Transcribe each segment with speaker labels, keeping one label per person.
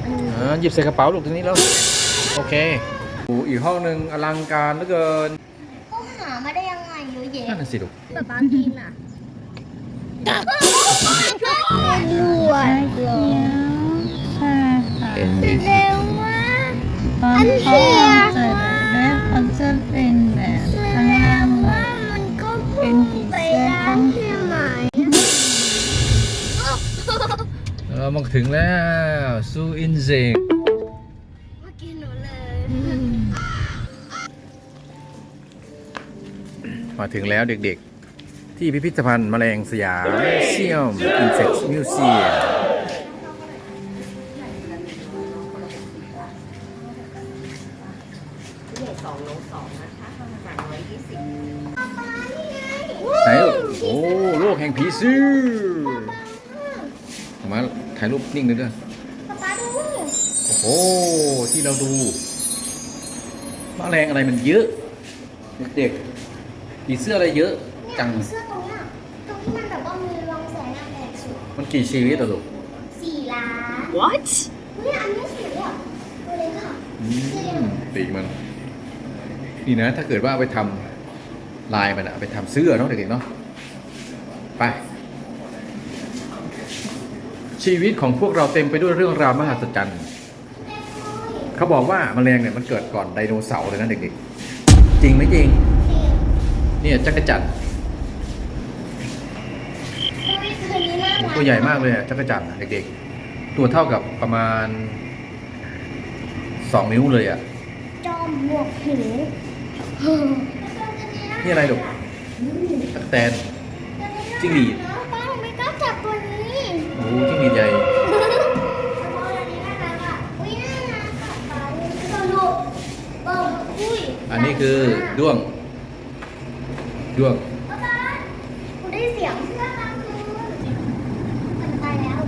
Speaker 1: หยิบใส่กระเป๋าลูกทีนี้แล้วโอเคอีกห้องหนึ่งอลังการเหลือเกิน
Speaker 2: เขาหามาได้ยังไงเยอะแยะ
Speaker 1: นั่นสิลูก
Speaker 2: ป๊าป๊ากินอ่ะด้วย
Speaker 3: ใช่ค่ะ
Speaker 2: เร็วมาก
Speaker 3: ตอนเขาออกจากเล็บเขาจะเป็นแบบข้างล่างแบบ
Speaker 2: มันก็
Speaker 3: เป็นผีเสื้อต้อง
Speaker 2: ใช่ไหม
Speaker 1: มาถึงแล้วซูอินเซก
Speaker 2: เมื่อกี้หนูเลย
Speaker 1: มาถึงแล้วเด็กๆที่พิพิธภัณฑ์แมลงสยามเซียมอินเซกมิวเซียมไหนโอ้โลกแห่งผีเสื้อมาถ่ายรูปนิ่งเลยด้วย
Speaker 2: ป๊าป๊าดู
Speaker 1: โอ้โหที่เราดูแมลงอะไรมันเยอะเด็กๆผีเสื้ออะไรเยอะจัง
Speaker 2: เสื้อตรงเนี้ยตรงที่มันแบบว่ามีรองแสงแดดสุด
Speaker 1: มันกี่ชีวิตอะลูก
Speaker 2: 4 ล้าน
Speaker 3: What
Speaker 2: เฮ้ยอันนี้สวยอ่ะตัวเล็กอ่ะ
Speaker 1: ปีกมันนี่นะถ้าเกิดว่าเอาไปทำลายมันอะเอาไปทำเสื้อเนาะเด็กๆเนาะไปชีวิตของพวกเราเต็มไปด้วยเรื่องราวมหัศจรรย์เขาบอกว่าแมลงเนี่ยมันเกิดก่อนไดโนเสาร์เลยนะเด็กๆจริงไหมจริงเนี่ยจักรจั่นตัวใหญ่มากเลยอะจักรจั่นอะเด็กๆตัวเท่ากับประมาณ2 นิ้วเลยอะ
Speaker 2: จอมบวกหู
Speaker 1: นี่อะไรลูกตั๊กแตนจิ้งหรีด
Speaker 2: ป้าหนูไม่กล้าจับตัวนี้
Speaker 1: โอ้จิ้งหรีดใหญ่ อันนี้คือด้วง
Speaker 2: ป๊าป๊าหนูได้เสียงเสื้อกลางคืนมันตายแล้ว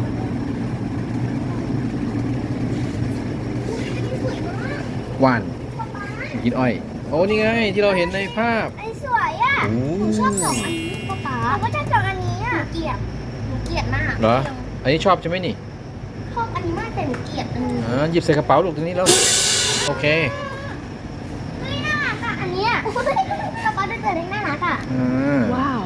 Speaker 2: อุ๊ยอันนี้สวยมาก
Speaker 1: ว่าน
Speaker 2: ป๊าป๊า
Speaker 1: กินอ้อยโอ้นี่ไงที่เราเห็นในภาพ
Speaker 2: อันนี้สวยอ่ะ
Speaker 1: โอ้
Speaker 2: หนูชอบ2 อันนี้ป๊าป๊าหนูก็ชอบ2 อันนี้อ่ะหนูเกลียดมาก
Speaker 1: เหรออันนี้ชอบใช่ไหมนี่
Speaker 2: ชอบอันนี้มากแต่หนูเกลียดอันนี้
Speaker 1: หยิบใส่กระเป๋าลูกทีนี้แล้วโอเค
Speaker 2: เฮ้ยน่ารักอ่ะอันเนี้ยป๊าป๊าได้เจอเล็กน่ารักอ่ะ
Speaker 3: ว้าว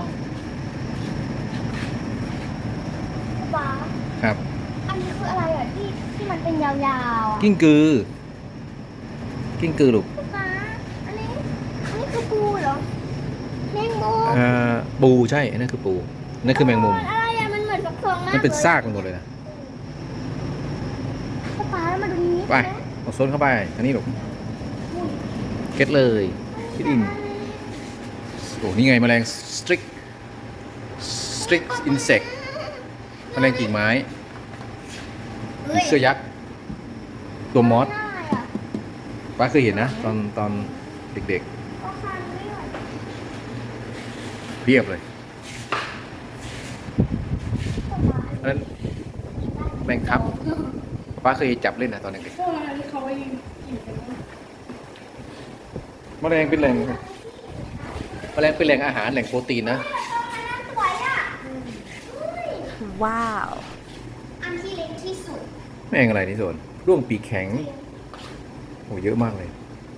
Speaker 2: ป๊า
Speaker 1: ครับ
Speaker 2: อันนี้คืออะไรอ่ะที่มันเป็นยาวๆอ่ะ
Speaker 1: กิ้งกือลูก
Speaker 2: ป๊าอันนี้คือปูเหรอแมงมุม
Speaker 1: ปูใช่อันนั่นคือปูนั่นคือแมงมุม
Speaker 2: อะไรอ่ะมันเหมือนกับทองมาก
Speaker 1: มันเป็นซากมันหมดเลยนะ
Speaker 2: ป๊ามาดูนี้
Speaker 1: ไปเอาโซนเข้าไปอันนี้ลูกเก็ตเลยคิดอินโอ้นี่ไงแมลงสตริกอินเสกแมลงกิ่งไม้ผีเสื้อยักษ์ตัวมอสป้าเคยเห็นนะตอนเด็กๆเพียบเลยนั้นแมงทับป้าเคยจับเล่นนะตอนเด็กๆแมลงเป็นแหล่งอาหารแหล่งโปรตีนนะ
Speaker 3: ว้าว
Speaker 2: อันที่เล็กที่สุด
Speaker 1: แมงอะไรนี่ส่วนร่วงปีกแข็งโอ้เยอะมากเลย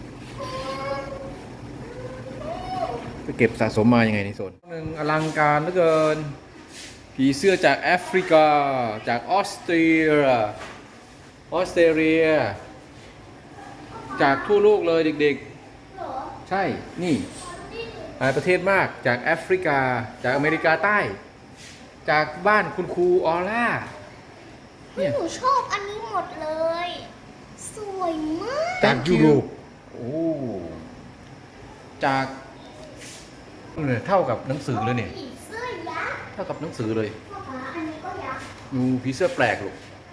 Speaker 1: ไปเก็บสะสมมายังไงในโซนหนึ่งอลังการเหลือเกินผีเสื้อจากแอฟริกาจากออสเตรเลียจากทั่วโลกเลยเด็กๆใช่นี่หลายประเทศมากจากแอฟริกาจากอเมริกาใต้ จากบ้านคุณครูออร่าเนี่ย
Speaker 2: หนูชอบอันนี้หมดเลย สวยมาก
Speaker 1: จากยุโรปโอ้จากเท่ากับหนังสือเลยเนี่ย
Speaker 2: ผีเสื้อยักษ์
Speaker 1: เท่ากับหนังสือเลย
Speaker 2: ป๊าป๊าอันนี้ก็ยักษ์
Speaker 1: ดูผีเสื้อแปลกลูก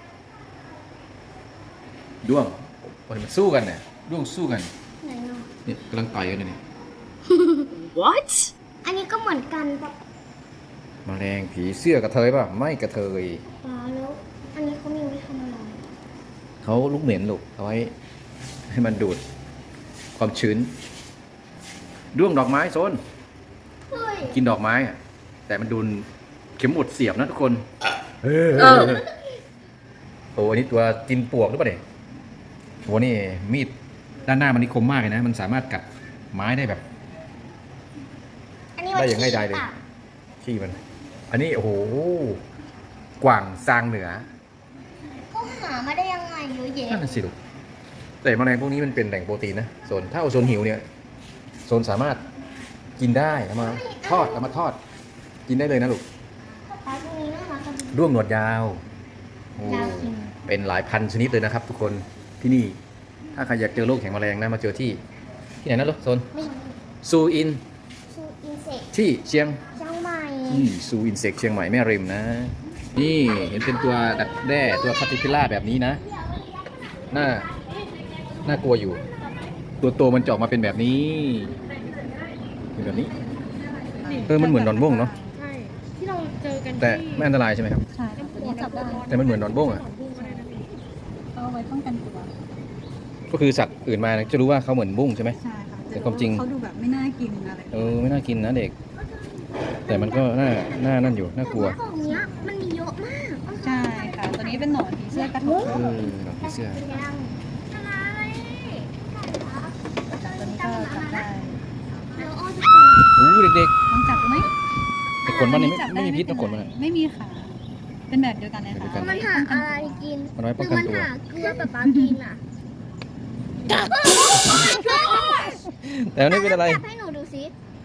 Speaker 1: ด้วงมันสู้กันเนี่ยด้วงสู้กัน
Speaker 2: ไหนเนาะ
Speaker 1: เนี่ยกำลังต่อยกันเนี่ย
Speaker 3: What
Speaker 2: อันนี้ก็เหมือนกันป๊า
Speaker 1: แมลงผีเสื้อกระเทยป่ะไม่กระเทย
Speaker 2: ป๊าแล้ว อันนี้เขามีไว้ทำอะไร
Speaker 1: เขาลูกเหม็นลูกเอาไว้ให้มันดูดความชื้นด้วงดอกไม้โซน
Speaker 2: เฮ้ย
Speaker 1: กินดอกไม้อะแต่มันดูนเข็มหมุดเสียบนะทุกคน
Speaker 3: เออ
Speaker 1: โอ้อันนี้ตัวกินปวกหรือเปล่าเนี่ยโหนี่มีดด้านหน้ามันนี่คมมากเลยนะ มันสามารถกัดไม้ได้แบบ
Speaker 2: อันนี้
Speaker 1: ได้อย่างง่ายดายเลย ขี้มัน อันนี้โอ้โหกว่างซางเหนือ
Speaker 2: เขาหามาได้ยังไงเยอะแยะ
Speaker 1: นั่นนะสิลูกแต่แมลงพวกนี้มันเป็นแหล่งโปรตีนนะโซนถ้าเอาโซนหิวเนี่ยโซนสามารถกินได้เอามาทอดกินได้เลยนะลูก
Speaker 2: ปลาตรงนี้น่ารักจัง
Speaker 1: ด้วงหนวดยาวโอ้
Speaker 2: ยาวจริง
Speaker 1: เป็นหลายพันชนิดเลยนะครับ ทุกคนที่นี่ ถ้าใครอยากเจอโรคแห่งแมลงนะมาเจอที่ไหนนะลูกโซน
Speaker 2: มี
Speaker 1: ซูอิน
Speaker 2: ชูอินเสก
Speaker 1: ที่เชียง
Speaker 2: เชียงใหม่
Speaker 1: ซูอินเสกเชียงใหม่แม่ริมนะ นี่เห็นเป็นตัวดักแด้ตัวคาติพิล่าแบบนี้นะน่ากลัวอยู่ ตัวโตมันจะออกมาเป็นแบบนี้เป็นแบบนี้มันเหมือนดอนบ้งเนาะ
Speaker 4: ใช่ที่เราเจอกัน
Speaker 1: แต่
Speaker 4: ที่
Speaker 1: ไม่อันตรายใช่ไหมครับ
Speaker 3: ใช่ค่ะตัวนี้จับได้
Speaker 1: แต่มันเหมือนดอนบ้งอ่ะ
Speaker 3: เอาไว้ป้องกันตัว
Speaker 1: ก็คือสัตว์อื่นมาจะรู้ว่าเขาเหมือนบุ้งใช่ไหม
Speaker 3: ใช่ค่ะ
Speaker 1: แต่ความจริง
Speaker 3: เขาดูแบบไม่น่ากินอะไร
Speaker 1: ไม่น่ากินนะเด็ก แต่มันก็น่านั่นอยู่น่ากลัว
Speaker 2: กล่องเนี้ยมันมีเยอะมาก
Speaker 3: ใช่ค่ะ ตัวนี้เป็นหนอนผีเสื้อกระทง
Speaker 1: หนังผีเสื้อ
Speaker 2: ยังอะไร
Speaker 3: ตัวนี้ก็จับได้
Speaker 2: เดี๋ยวอ้อจะก่อน
Speaker 1: อู้เด็ก
Speaker 3: ลองจับดูไหม
Speaker 1: ๆแต่ขนมันเนี่ยไม่มีพิษนะขนมันอะ
Speaker 3: ไม่มีค่ะ เป็นแบบเดียวกันเลยค่ะ
Speaker 2: มันหาอะไรกิน
Speaker 1: มันไว้ป้องกันตัว
Speaker 2: หรือมันหาเกลือแบบปลากินอ่ะ
Speaker 1: แต่มันไม่เป็นอะไร
Speaker 2: จับให้หนูดูสิ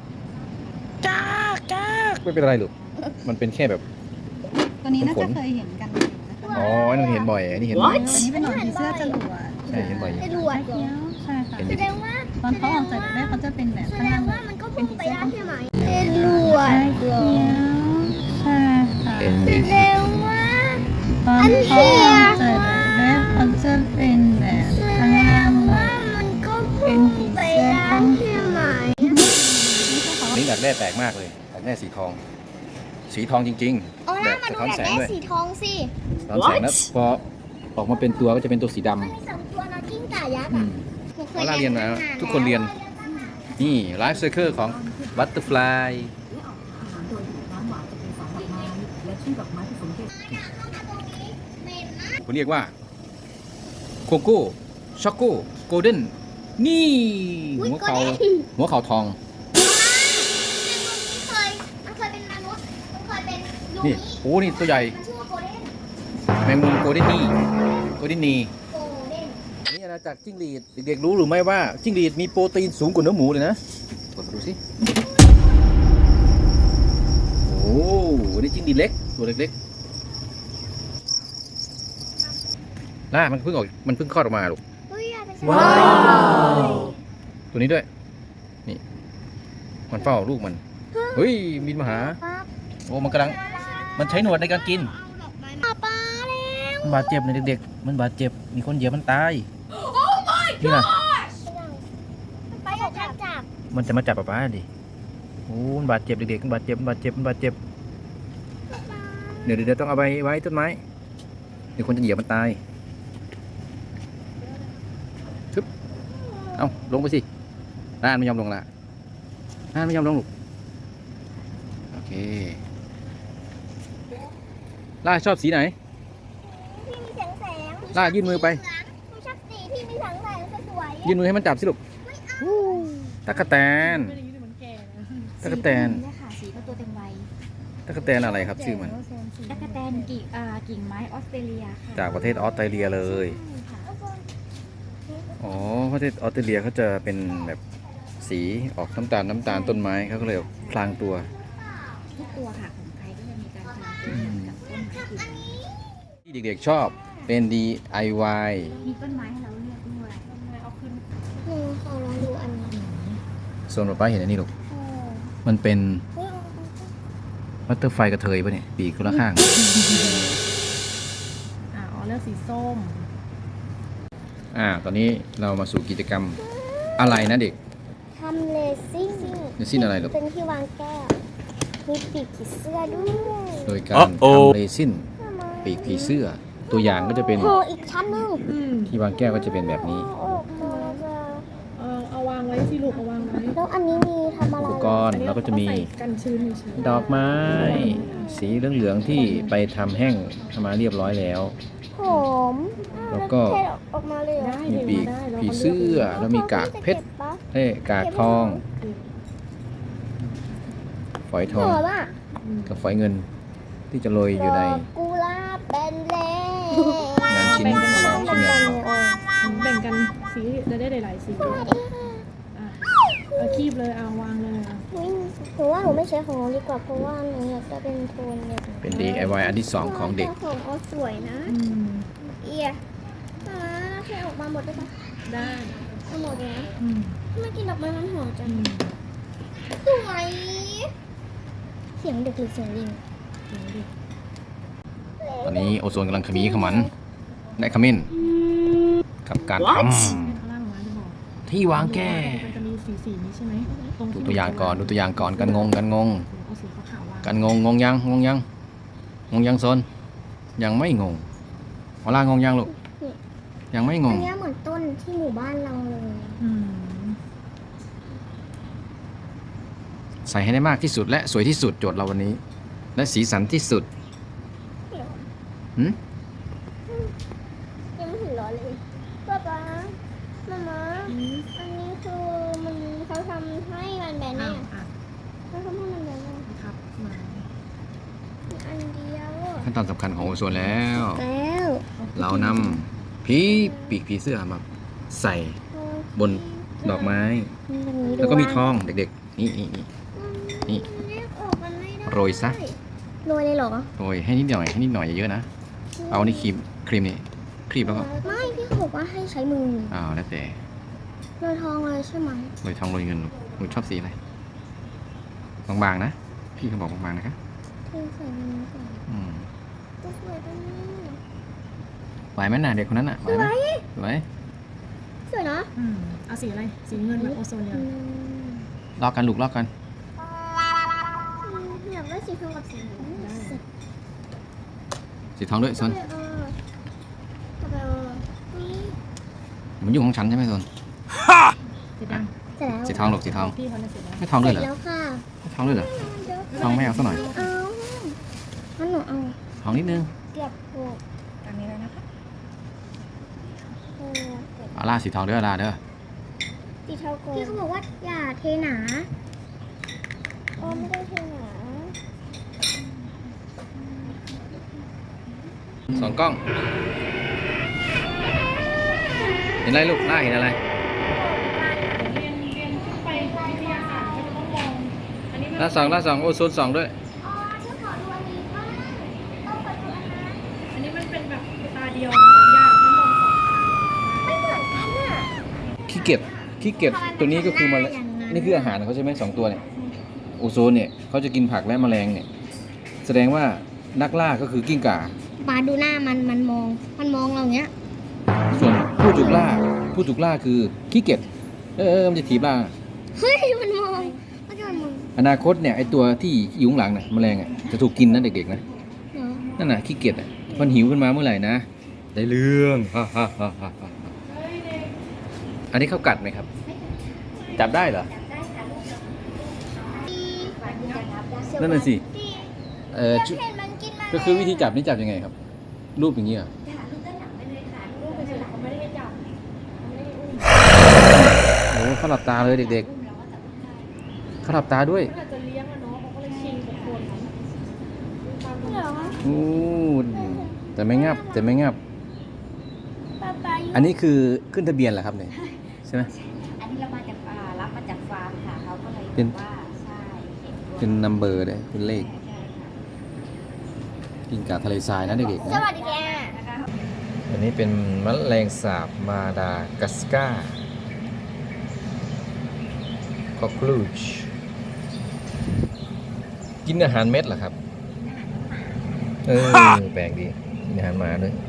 Speaker 1: ไม่เป็นอะไรลูกมันเป็นแค่แบบ
Speaker 3: ตัวนี้น่าจะเคยเห็นกันอยู่นะคะ
Speaker 1: อ๋ออันนั้นเห็นบ่อยอันนี้เห็นบ่อย
Speaker 3: ตัวนี้เป็นหนอนผีเสื้อจรวด
Speaker 1: ใช่เห็นบ่อยอยู่
Speaker 2: ไอ้รวดเหรอ
Speaker 3: ใช่ค่ะ
Speaker 1: เห็น
Speaker 2: แส
Speaker 1: ดิ
Speaker 2: ดงว่า
Speaker 3: ตอนเขาออกจากได้เขาจะเป็นแบบ
Speaker 2: แส
Speaker 3: ข้าง
Speaker 2: ด
Speaker 3: ล่าง ง
Speaker 2: ว่ามันก็พุ่งไปได้ใช่ไหมเป็นรวด
Speaker 3: ใช่
Speaker 2: เหรอ
Speaker 3: ใช่ค่ะ
Speaker 1: เห็น
Speaker 2: แส
Speaker 1: ดิ
Speaker 2: ดงว่า
Speaker 3: ตอนเขาออกจากได้เขาจะเป็นแบบข้างล่าง
Speaker 2: ว่ามันก็พุ่งไปได้ใช่ไหม
Speaker 1: อันนี้ดักแด้แปลกมากเลยดักแด้สีทอง สีทองจริง
Speaker 2: เอา
Speaker 1: ๆ
Speaker 2: หน้ามาดู
Speaker 1: สะท้อน
Speaker 2: แบบ
Speaker 1: แสง
Speaker 2: แม่
Speaker 1: ด้วย
Speaker 2: สีทองสิ
Speaker 1: สะท้อนแสงแล้วพอออกมาเป็นตัวก็จะเป็นตัวสีดำ
Speaker 2: มันมีสองตัวนะกิ้งก่ายักษ์
Speaker 1: อื
Speaker 2: อ่ะ
Speaker 1: ม
Speaker 2: หนูเค
Speaker 1: เวลาเรียนนะทุกคนเรียน นี่ไลฟ์เซอร์เคิลของบัตเตอร์ฟลายเขาเรียกว่าโคโก้ช็อกโก้โกลเด้นนี่หัวเขาทอง
Speaker 2: มันเคยเป็นมนุษย์มันเคยเป็นยู
Speaker 1: นี่
Speaker 2: นิ
Speaker 1: โอ้นี่ตัวใหญ่
Speaker 2: มันชื่อว่าโกลเด้น
Speaker 1: แมงมุมโกลเด้นนี่โกลเด้นนี่
Speaker 2: โกลเด้น
Speaker 1: นี่อาณาจักรจิ้งหรีดเด็กๆรู้หรือไม่ว่าจิ้งหรีดมีโปรตีนสูงกว่าเนื้อหมูเลยนะกดมาดูสิโอ้นี่จิ้งหรีดเล็กตัวเล็กๆล่ามันเพิ่งคลอดออกมาลูก
Speaker 2: เฮ้ยอย่าไปใช้
Speaker 1: ว้าว ตัวนี้ด้วยนี่มันเฝ้าลูกมันเฮ้ยบินมาหา
Speaker 2: ครับ
Speaker 1: โอ้มันกำลังมันใช้หนวดในการกิน
Speaker 2: เอาปลาแล้ว
Speaker 1: มันบาดเจ็บในเด็กๆมันบาดเจ็บมีคนเหยียบมันตายนี่นะ
Speaker 2: ไปอย่าจับ
Speaker 1: มันจะมาจับป๊าดิโอ้มันบาดเจ็บเด็กๆมันบาดเจ็บเดี๋ยวต้องเอาไปไว้ต้นไม้เดี๋ยวคนจะเหยียบมันตายทึบเอาลงไปสิน่านไม่ยอมลงละน่านไม่ยอมลงลูกโอเคล่าชอบสีไหน
Speaker 2: พี่มีแสงแสง
Speaker 1: ล่ายื่นมือไป
Speaker 2: หนูชอบสีพี่มีแสงแสงสวยๆ
Speaker 1: ยื่นมือให้มันจับสิลูกตะกะแตน
Speaker 4: ไม่ได้ยินแต่มันแก่นะ
Speaker 1: ตะกะแตน
Speaker 5: เนี่ยค่ะสีก็ตัวเต็มวัย
Speaker 1: ตะกะแตนอะไรครับชื่อมัน
Speaker 5: ตะกะแตนกิ่งไม้ออสเตรเลียค่ะ
Speaker 1: จากประเทศออสเตรเลียเลย
Speaker 5: ใช่ค่ะ
Speaker 1: อ๋อประเทศออสเตรเลียเขาจะเป็นแบบสีออกน้ำตาลต้นไม้เขาก็เลยพลางตัว
Speaker 5: ทุกตัวค่ะของไทยก็จะมีการทำตัวกับต้นไม้อื่น
Speaker 1: ที่เด็กๆชอบเป็น DIY
Speaker 5: มีต้นไม้ให้เราเลือกด้วย
Speaker 4: เอาขึ้น
Speaker 2: หนูขอลองดูอันนี้
Speaker 1: โซนป้าเห็นอันนี้ลูกมันเป็นบัตเตอร์ไฟกระเทยปะเนี่ยปีกคนละข้าง
Speaker 4: อ๋อเลือกสีส้ม
Speaker 1: ตอนนี้เรามาสู่กิจกรรมอะไรนะเด็ก
Speaker 2: ทำเลซิ่ง
Speaker 1: เลซิ่งอะไรลูก
Speaker 2: เป็นที่วางแก้ว มีปีกผีเสื้อด้วย
Speaker 1: โดยการทำเรซินปีกผีเสื้อ ตัวอย่างก็จะเป็น
Speaker 2: ห่ออีกชั้นหนึง
Speaker 1: ที่วางแก้วก็จะเป็นแบบนี้
Speaker 2: ออกมาจะ
Speaker 4: เอาวางไว้ที่ลูกเอาวางไว้
Speaker 2: แล้วอันนี้มีทำอะไร
Speaker 1: อุปกรณ์แล้วก็จะมี
Speaker 4: ใส่กันชื้นเฉยๆ
Speaker 1: ดอกไม้ สีเหลืองๆที่ไปทำแห้งทำมาเรียบร้อยแล้ว
Speaker 2: หผม
Speaker 1: แล้วก็
Speaker 2: เทออกมาเลยเหรอ
Speaker 4: ได้
Speaker 1: มี
Speaker 4: เดี๋ยว
Speaker 1: ปีก
Speaker 4: ได้แล้ว
Speaker 1: ผี
Speaker 4: ขาลื
Speaker 1: เสื้
Speaker 4: ก
Speaker 1: อแล้วมีกากเพชร
Speaker 2: ปะ
Speaker 1: กากทอง ฝอยท
Speaker 2: เห
Speaker 1: อง
Speaker 2: รอป่ะ
Speaker 1: กับฝอยเงิน ที่จะโรยอยู่ใน
Speaker 2: ดอกกุหลาบเป็นเล่
Speaker 1: งานชิ้นของเราชิ้นงานของเรา
Speaker 4: แบ่งกันสีจะได้หลายๆสีด้วยอ่ะเอาคีบเลยเอาวางเลยอ่ะ
Speaker 2: หนูว่าหนูไม่ใช้ของน้องดีกว่าเพราะว่าหนูอยากจะเป็นโทนแบบ
Speaker 1: เป็น DIY อันที่ 2 ของเด็ก
Speaker 2: ของเอาสวยนะ
Speaker 4: อืม
Speaker 2: เอียเทออกมาหมดได้ปะ
Speaker 4: ได้
Speaker 2: เอาหมดเลยนะ
Speaker 4: อืม
Speaker 2: ทำไมกินดอกไม้มันหอมจั
Speaker 4: อื
Speaker 2: ง
Speaker 4: ม
Speaker 2: สวยเสียงเด็กหรือเสียงลิง
Speaker 4: เดี๋ยวดิ
Speaker 1: ตอนนี้โอโซนกำลังขมีขมันและขมิ้นกับการท
Speaker 4: ข้างล่างมาจะบอก
Speaker 1: ำที่วางแก้
Speaker 4: มันจะมีสีนี้ใช่ไหมตรง
Speaker 1: ดู
Speaker 4: ที่
Speaker 1: ตัวอย่างก่อนดูตัวอย่างก่อนกันงง
Speaker 4: เอาสีขาวๆวาง
Speaker 1: กันงงยังโซนยังไม่งงเวลางงยังลูกยังไม่ง
Speaker 2: อั
Speaker 1: ง
Speaker 2: นเนี้ยเหมือนต้นที่หมู่บ้านเราเลย
Speaker 4: อืม
Speaker 1: ใส่ให้ได้มากที่สุดและสวยที่สุดโจทย์เราวันนี้ และสีสันที่สุดหืม
Speaker 2: ยังไม่ถึงร้อยเลยป๊าป๊ามามาอันนี้คือมันเขาทำให้มันแบน
Speaker 4: อ้า
Speaker 2: เนี่
Speaker 4: วย อ่ะ
Speaker 2: เขาทำให้มันแบนเนี่ย
Speaker 4: ครับมา
Speaker 2: มีอันเดียว
Speaker 1: ขั้นตอนสำคัญของโอโซนแล้ว
Speaker 2: แล้ว
Speaker 1: เรานำปีกผีเสื้อมาใส่บนดอกไม้ แล้วก็มีทองเด็กๆ นี่ โรยซะ
Speaker 2: โรยเลยเหรอ
Speaker 1: โรยให้นิดหน่อยเยอะๆนะ เอานี่ครีมนี่ครีมแล้วก็
Speaker 2: ไม่พี่เขาบอกว่าให้ใช้มือ
Speaker 1: แล้วแต่
Speaker 2: โรยทองเลยใช่ไหม
Speaker 1: โรยทองโรยเงินหนูชอบสีอะไรบางๆนะพี่เขาบอกบางๆนะครับ
Speaker 2: เทใส่มือก่อน
Speaker 1: อืม
Speaker 2: จะสวยตรงนี้
Speaker 1: ไหวไหมน่ะเด็กคนนั้นน่ะไหวไหมไหว
Speaker 2: สวยเนาะ
Speaker 4: อืมเอาสีอะไรสีเงินแบบโอโซนเนี่ย
Speaker 1: ลอกกันลูกลอกกัน
Speaker 2: อยากได้สีทองกับสี
Speaker 1: สีทองด้วยโซน
Speaker 2: ทำไมนี่
Speaker 1: มันอยู่ของฉันใช่ไหมโซน
Speaker 4: สีด
Speaker 2: เสร็จแล้ว
Speaker 1: สีทองลูกสีทอง
Speaker 4: ำพี่เขาเนี่ยเสร็จแล้ว
Speaker 1: ไม่ทองด้วยเหรอ
Speaker 2: แล้วค่ะ
Speaker 1: ไม่ทองด้วยเหรอทองไม่เอาซะหน่อย
Speaker 2: เอางั้นหนูเอา
Speaker 1: ทองนิดนึง
Speaker 2: เกือบถูก
Speaker 5: ตามนี้แล้วนะคะ
Speaker 1: เอาล่าสีทองเด้อล่าเด้อ
Speaker 2: สีเทาโกพี่เขาบอกว่าอย่าเทหนาอ๋อไม่ได้เทหนา
Speaker 1: สองกล้อง เห็นอะไรลูกล่าเห็นอะไร
Speaker 4: เรียนขึ้นไปวิทยาศาสตร์ก็จะต้องมองอันนี้มัน
Speaker 1: ล่าสองโอโซน2ด้วย
Speaker 2: อ๋อฉันขอดูอันนี้บ้างต้องขอดูอันนั้น
Speaker 4: อันนี้มันเป็นแบบตาเดียวมันมองยากต้องมองสองตา
Speaker 2: ไม่เหมือนกันอ่ะ
Speaker 1: ขี้เกียจตัวนี้ก็คือมานี่คืออาหารเขาใช่ไหม2ตัวเนี่ยโอโซนเนี่ยเขาจะกินผักและแมลงเนี่ยแสดงว่านักล่าก็คือกิ้งก่า
Speaker 2: ปาดูหน้ามันมองเราอย่างเงี้ย
Speaker 1: ส่วนผู้ถูกล่าคือขี้เกียจมันจะถีบล่า
Speaker 2: เฮ้ยมันมองมันจะมอง
Speaker 1: อนาคตเนี่ยไอตัวที่อยู่ข้างหลังน่ะแมลงอ่ะจะถูกกินนะเด็กๆนะ
Speaker 2: เหรอ
Speaker 1: นั่นน่ะขี้เกียจอ่ะมันหิวขึ้นมาเมื่อไหร่นะได้เรื่องอันนี้เขากัดไหมครับ จับได้เหรอนั่นน่ะสิจุ
Speaker 2: เห็นมันกินมา
Speaker 1: ก็คือวิธีจับนี่จับยังไงครับ รูปอย่างนี้เหรอโอ้เขาหลับตาเลยเด็กๆเขาหลับตาด้วย
Speaker 4: ถ้าจะเลี้ยงอะเนาะเขาก็เลยชิงกับคน
Speaker 2: เหรอ
Speaker 1: โอ้แต่ไม่งับ
Speaker 2: ปาปาอยู่
Speaker 1: อันนี้คือขึ้นทะเบียนเหรอครับเนี่ยใช่ไหม
Speaker 5: อันนี้เรามาจากรับมาจากฟาร์มค่ะเขาก็เลย
Speaker 1: เป็น
Speaker 5: บอกว่าใช่เห็นด้วย
Speaker 1: เป็นนัมเบอร์เลยเป็นเลข
Speaker 5: ใช่ค่ะ
Speaker 1: กินกาทะเลทรายนะเด็กๆ
Speaker 2: ส
Speaker 1: นะ
Speaker 2: วัสดีแก
Speaker 1: อันนี้เป็นแมลงสาบมาดากัสการ์คอกลูชกินอาหารเม็ดเหรอครับแปลกดีกินอาหารหมาด้วย